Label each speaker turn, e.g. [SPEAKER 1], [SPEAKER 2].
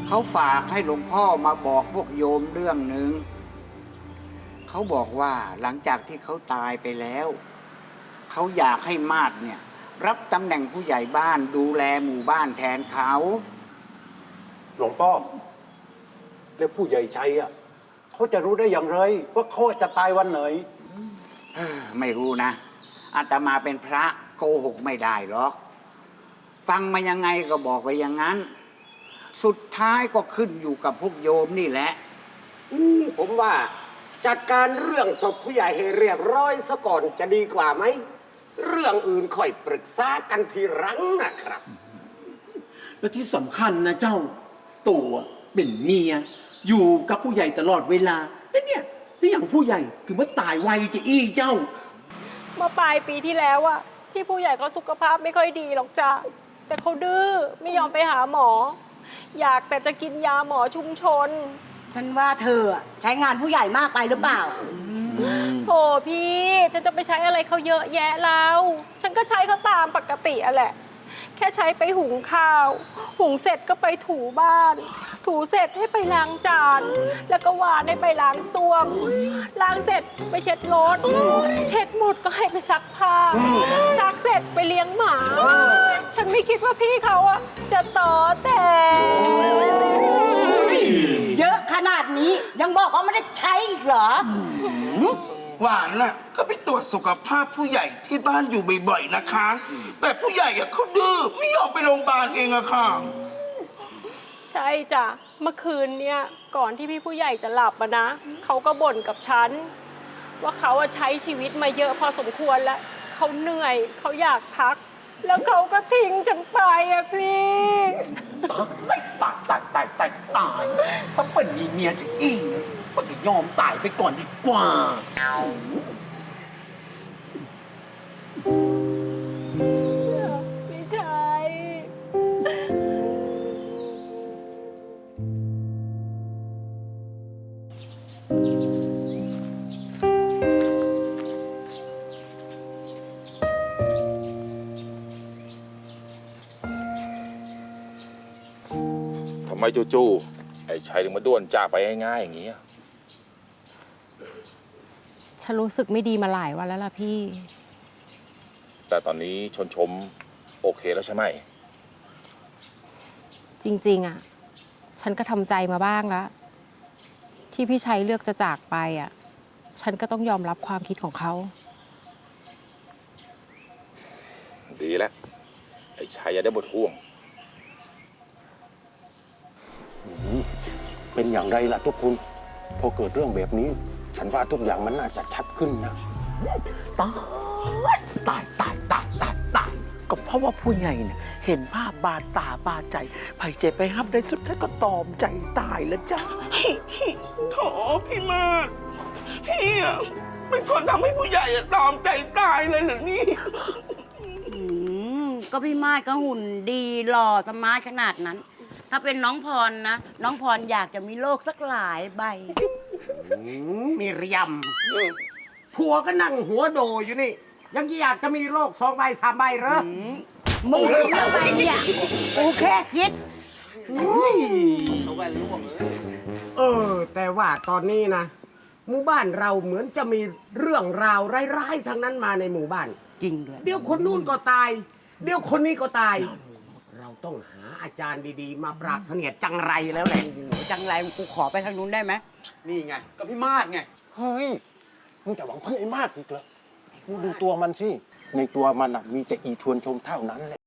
[SPEAKER 1] เขาฝากให้หลวงพ่อมาบอกพวกโยมเรื่องหนึ่งเขาบอกว่าหลังจากที่เขาตายไปแล้วเขาอยากให้มาดเนี่ยรับตำแหน่งผู้ใหญ่บ้านดูแลหมู่บ้านแทนเขา
[SPEAKER 2] หลวงพ่อแล้วผู้ใหญ่ชัยอ่ะเขาจะรู้ได้อย่างไรว่าเขาจะตายวันไหน
[SPEAKER 1] ไม่รู้นะอาตมาเป็นพระโกหกไม่ได้หรอกฟังมายังไงก็บอกไปอย่างนั้นสุดท้ายก็ขึ้นอยู่กับพวกโยมนี่แหละ
[SPEAKER 3] ผมว่าจัดการเรื่องศพผู้ใหญ่ให้เรียบร้อยซะก่อนจะดีกว่าไหมเรื่องอื่นค่อยปรึกษากันทีหลังนะครับ
[SPEAKER 4] และที่สำคัญนะเจ้าตัวเป็นเมียอยู่กับผู้ใหญ่ตลอดเวลาแล้วเนี่ยแล้วอย่างผู้ใหญ่ถึงว่าตายไวจะอี้เจ้า
[SPEAKER 5] เมื่อปลายปีที่แล้วอะพี่ผู้ใหญ่ก็สุขภาพไม่ค่อยดีหรอกจ้ะแต่เขาดื้อไม่ยอมไปหาหมออยากแต่จะกินยาหมอชุมชน
[SPEAKER 6] ฉันว่าเธอใช้งานผู้ใหญ่มากไปหรือเปล่า
[SPEAKER 5] โถพี่จะไปใช้อะไรเขาเยอะแยะแล้วฉันก็ใช้เขาตามปกติอะแหละแค่ใช้ไปหุงข้าวหุงเสร็จก็ไปถูบ้านถูเสร็จให้ไปล้างจานแล้วก็วานให้ไปล้างส้วมล้างเสร็จไปเช็ดรถเช็ดหมดก็ให้ไปซักผ้าซักเสร็จไปเลี้ยงหมาฉันไม่คิดว่าพี่เขาอะจะต่อแต่
[SPEAKER 6] เยอะขนาดนี้ยังบอกว่าไม่ได้ใช้อีกเหรอ
[SPEAKER 7] หวานน่ะก็ไปตรวจสุขภาพผู้ใหญ่ที่บ้านอยู่บ่อยๆนะคะแต่ผู้ใหญ่อะเขาดื้อไม่ยอมไปโรงพยาบาลเองอะค่ะ
[SPEAKER 5] ใช่จ้ะเมื่อคืนเนี่ยก่อนที่พี่ผู้ใหญ่จะหลับนะเขาก็บ่นกับฉันว่าเขาใช้ชีวิตมาเยอะพอสมควรแล้วเขาเหนื่อยเขาอยากพักแล้วเขาก็ทิ้งฉันไปอะพี่
[SPEAKER 4] ไม่ตายถ้าเป็นมีเมียจะอี้มันจะยอมตายไปก่อนดีกว่า
[SPEAKER 5] ไม่ใช่
[SPEAKER 8] ทำไมจู่ๆไอ้ชัยถึงมาด้วนจากไปง่ายๆอย่างนี้
[SPEAKER 9] ฉันรู้สึกไม่ดีมาหลายวันแล้วล่ะพี่
[SPEAKER 8] แต่ตอนนี้ชมโอเคแล้วใช่ไหม
[SPEAKER 9] จริงๆฉันก็ทำใจมาบ้างแล้วที่พี่ชัยเลือกจะจากไปฉันก็ต้องยอมรับความคิดของเขา
[SPEAKER 8] ดีแล้วไอ้ชัยจะได้บทห่วง
[SPEAKER 2] เป็นอย่างไรล่ะทุกคนพอเกิดเรื่องแบบนี้ฉันว่าทุกอย่างมันน่าจะชัดขึ้นนะ
[SPEAKER 4] ตายก็เพราะว่าผู้ใหญ่เนี่ยเห็นภาพบาดตาบาดใจไผ่เจ็บไปฮับได้สุดท้ายก็ตอมใจตายแล้วจ้า
[SPEAKER 7] โถพี่มาศพี่อะเป็นคนทำให้ผู้ใหญ่ตอมใจตายเลยเหรอนี่
[SPEAKER 6] ก็พี่มาศก็หุ่นดีหล่อสมาร์ทขนาดนั้นถ้าเป็นน้องพรนะน้องพรอยากจะมีโลกสักหลายใบ
[SPEAKER 3] มีเรียมผัวก็นั่งหัวโดอยู่นี่ยังอยากจะมีโลก2 ใบ 3 ใบเหรอ
[SPEAKER 6] มึงรู้อะไรเนี่ยกูแค่คิด
[SPEAKER 3] เอาแว่นล่วงเลยแต่ว่าตอนนี้นะหมู่บ้านเราเหมือนจะมีเรื่องราวร้ายๆทั้งนั้นมาในหมู่บ้าน
[SPEAKER 6] จริงด้วย
[SPEAKER 3] เดี๋ยวคนนู้นก็ตายเดี๋ยวคนนี้ก็ตายเราต้องหาอาจารย์ดีๆมาปราบเสนียดจังไรแล้วแหละ
[SPEAKER 6] จังไรกูขอไปทางนู้นได้ไหม
[SPEAKER 3] นี่ไงก็พี่มาศไง
[SPEAKER 2] เฮ้ยมึงจะหวังพึ่งไอ้มาศอีกเหรอมึงดูตัวมันสิในตัวมันมีแต่อีชวนชมเท่านั้นแหละ